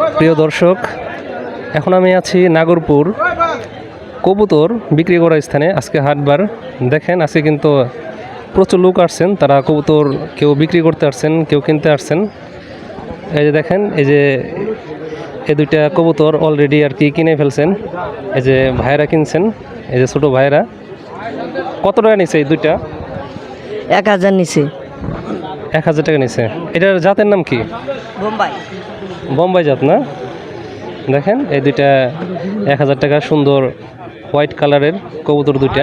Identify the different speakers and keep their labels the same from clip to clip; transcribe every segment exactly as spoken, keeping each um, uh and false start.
Speaker 1: প্রিয় দর্শক, এখন আমি আছি নাগরপুর কবুতর বিক্রি করার স্থানে। আজকে হাটবার দেখেন, আজকে কিন্তু প্রচুর লোক আসছেন। তারা কবুতর কেউ বিক্রি করতে আসছেন, কেউ কিনতে আসছেন। এই যে দেখেন, এই যে এই দুইটা কবুতর অলরেডি আর কি কিনে ফেলছেন। এই যে ভাইরা কিনছেন, এই যে ছোটো ভাইরা। কত টাকা নিছে এই দুইটা?
Speaker 2: এক হাজার নিচে।
Speaker 1: এক হাজার টাকা নিছে। এটার জাতের নাম কি?
Speaker 2: বোম্বাই।
Speaker 1: বোম্বাই জাত না? দেখেন এই দুইটা এক হাজার টাকা, সুন্দর হোয়াইট কালারের কবুতর দুইটা।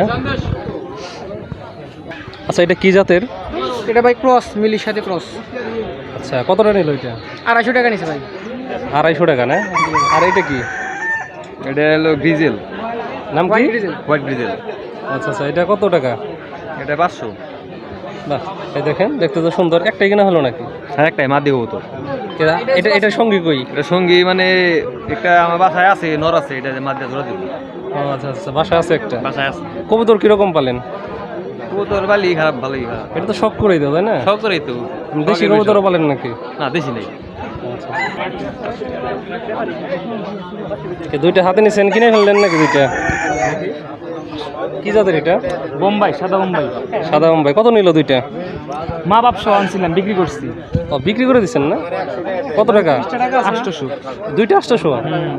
Speaker 1: আচ্ছা, এটা কি জাতের?
Speaker 3: এটা ভাই ক্রস, মিলির সাথে ক্রস।
Speaker 1: আচ্ছা, কত টাকা নিল এটা?
Speaker 3: আড়াইশো টাকা নিছে ভাই।
Speaker 1: আড়াইশো টাকা না? আর এটা কি?
Speaker 4: এটা হলো গ্রিজেল।
Speaker 1: নাম কি?
Speaker 4: White grizzle.
Speaker 1: আচ্ছা আচ্ছা, এটা কত টাকা?
Speaker 4: এটা পাঁচশো।
Speaker 1: বাহ, এই দেখেন, দেখতে তো সুন্দর। একটাই কিনা হলো নাকি?
Speaker 4: হ্যাঁ, একটাই মাদি কবুতর।
Speaker 1: এটা এটার সঙ্গী কই?
Speaker 4: এটা সঙ্গী মানে একটা আমার বাসায় আছে, নর আছে, এটা মাদি ধরে দিব।
Speaker 1: ও আচ্ছা আচ্ছা, বাসায় আছে একটা।
Speaker 4: বাসায় আছে।
Speaker 1: কবুতর কিরকম পালেন?
Speaker 4: কবুতর ভালোই খারাপ, ভালোই খারাপ।
Speaker 1: এটা তো শখ করেই দাও, তাই না?
Speaker 4: সব করেই তো।
Speaker 1: দেশি কবুতরও পালেন নাকি?
Speaker 4: না, দেশি নেই।
Speaker 1: আচ্ছা, দুইটা হাতে নিছেন, কিনে ফেললেন নাকি দুইটা? কি জাতের এটা?
Speaker 3: বোম্বাই, সাদা বোম্বাই।
Speaker 1: সাদা বোম্বাই। কত নিল দুইটা?
Speaker 3: মা বাপ সহ আনছিলাম, বিক্রি করছি।
Speaker 1: ও, বিক্রি করে দিচ্ছেন না? কত টাকা?
Speaker 3: আটশোশো।
Speaker 1: দুইটা আটশোশো?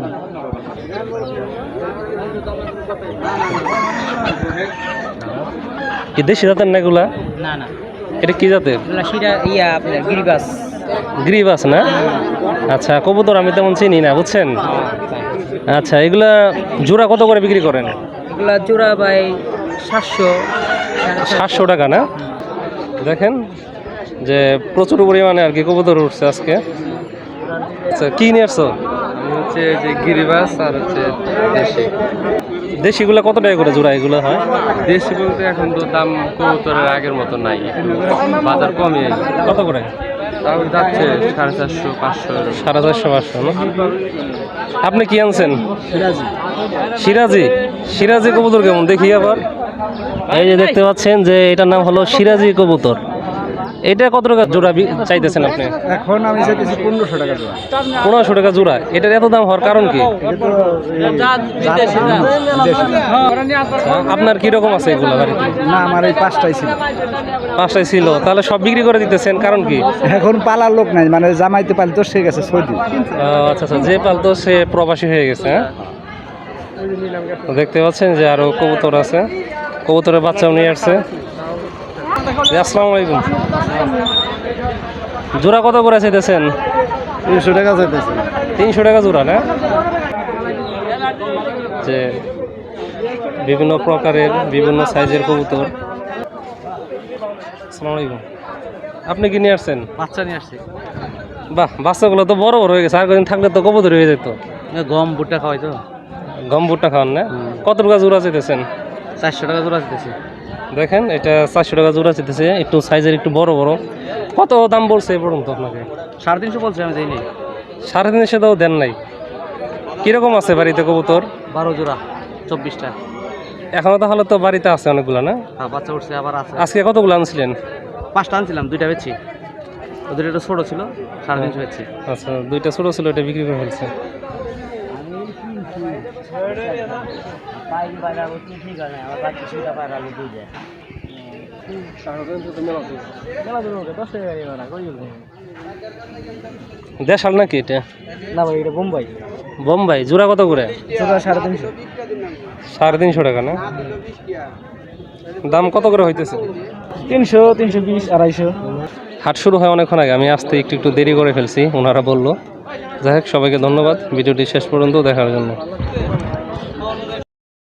Speaker 1: কি দেশি জাতের না এগুলা?
Speaker 3: না না,
Speaker 1: এটা কি জাতের?
Speaker 3: সেটা ইয়া আপনার গিরিবাস।
Speaker 1: গ্রিবাস না? আচ্ছা, কবুতর আমি তেমন চিনি না, বুঝছেন। আচ্ছা, এগুলা জোড়া কত করে বিক্রি করেন?
Speaker 3: এগুলা জোড়া ভাই সাতশো।
Speaker 1: সাতশো টাকা না? দেখেন যে প্রচুর পরিমাণে আর কি কবুতর উঠছে আজকে। আচ্ছা, কি নিয়ে আসছো?
Speaker 4: হচ্ছে যে গিরিবাস আর হচ্ছে দেশি।
Speaker 1: দেশিগুলা কত টাকা করে জোড়া এগুলো হয়?
Speaker 4: দেশি বলতে এখন তো দাম কবুতরের আগের মতো নাই, বাজার কমে।
Speaker 1: কত করে?
Speaker 4: তাও যাচ্ছে সাড়ে চারশো, পাঁচশো।
Speaker 1: সাড়ে চারশো পাঁচশো না? আপনি কি আনছেন? সিরাজি। সিরাজি কবুতর কেমন দেখি আবার। এই যে দেখতে পাচ্ছেন যে এটার নাম হলো সিরাজি কবুতর। এটা কত টাকা জোড়া বি- চাইতেছেন আপনি?
Speaker 5: এখন আমি চাইতেছি পনেরোশো টাকা জোড়া।
Speaker 1: পনেরোশো টাকা জোড়া। এটার এত দাম হওয়ার কারণ কি? আপনার কি রকম আছে এগুলো বাড়িতে?
Speaker 5: না, আমার এই পাঁচটাই ছিল।
Speaker 1: পাঁচটায় ছিল, তাহলে সব বিক্রি করে দিতেছেন, কারণ কি?
Speaker 5: এখন পালার লোক নাই, মানে জামাইতে পালি তো সে গেছে সৌদি।
Speaker 1: ও, আচ্ছা আচ্ছা, যে পালতো সে প্রবাসী হয়ে গেছে। হ্যাঁ, তো দেখতে পাচ্ছেন যে আরো কবুতর আছে, কবুতরের বাচ্চাও নিয়ে আসছে। জি, আসসালামু আলাইকুম। জোড়া কত করে চাইতেছেন?
Speaker 5: তিনশো টাকা চাইতেছে।
Speaker 1: তিনশো টাকা জোড়া না? যে বিভিন্ন প্রকারের বিভিন্ন সাইজের কবুতর। আসসালামু আলাইকুম। আপনি কি নিয়ে আসছেন?
Speaker 4: বাচ্চা নিয়ে আসছে।
Speaker 1: বাহ, বাচ্চাগুলো তো বড় বড় হয়ে গেছে। আর কদিন থাকলে তো কবুতর হয়ে যেত।
Speaker 4: গম ভুট্টা খাওয়াই তো।
Speaker 1: গম ভুট্টা খাওয়ান না? কত টাকা জোড়া চাইতেছেন?
Speaker 4: চারশো টাকা জোড়া দিতেছে।
Speaker 1: দেখেন, এটা চারশো টাকা জোড়া চাইতেছে, একটু সাইজের একটু বড় বড়। কত দাম বলছে এ পর্যন্ত আপনাকে?
Speaker 4: সাড়ে তিনশো বলছে, আমি যাইনি।
Speaker 1: সাড়ে তিনশো দাও দেন নাই? কিরকম আছে বাড়িতে কবুতর?
Speaker 4: বারো জোড়া, চব্বিশটা।
Speaker 1: এখনো তাহলে তো বাড়িতে আছে অনেকগুলো না?
Speaker 4: হ্যাঁ, বাচ্চা উঠছে, আবার আছে।
Speaker 1: আজকে কতগুলো আনছিলেন?
Speaker 4: পাঁচটা আনছিলাম, দুইটা বেচছি। ওদের একটা ছোটো ছিল, সাড়ে তিনশো বেচছি।
Speaker 1: আচ্ছা, দুইটা ছোটো ছিল, এটা বিক্রি করে ফেলছে। দেশাল নাকি এটা?
Speaker 3: না ভাই, এটা বোম্বাই।
Speaker 1: বোম্বাই। জোড়া কত করে?
Speaker 3: জোড়া সাড়ে তিনশো।
Speaker 1: সাড়ে তিনশো টাকা না? দাম কত করে হইতেছে?
Speaker 3: তিনশো, তিনশো বিশ, আড়াইশো।
Speaker 1: হাট শুরু হয় অনেকক্ষণ আগে, আমি আসতে একটু একটু দেরি করে ফেলছি, ওনারা বললো। যাই হোক, সবাইকে ধন্যবাদ ভিডিওটি শেষ পর্যন্ত দেখার জন্য।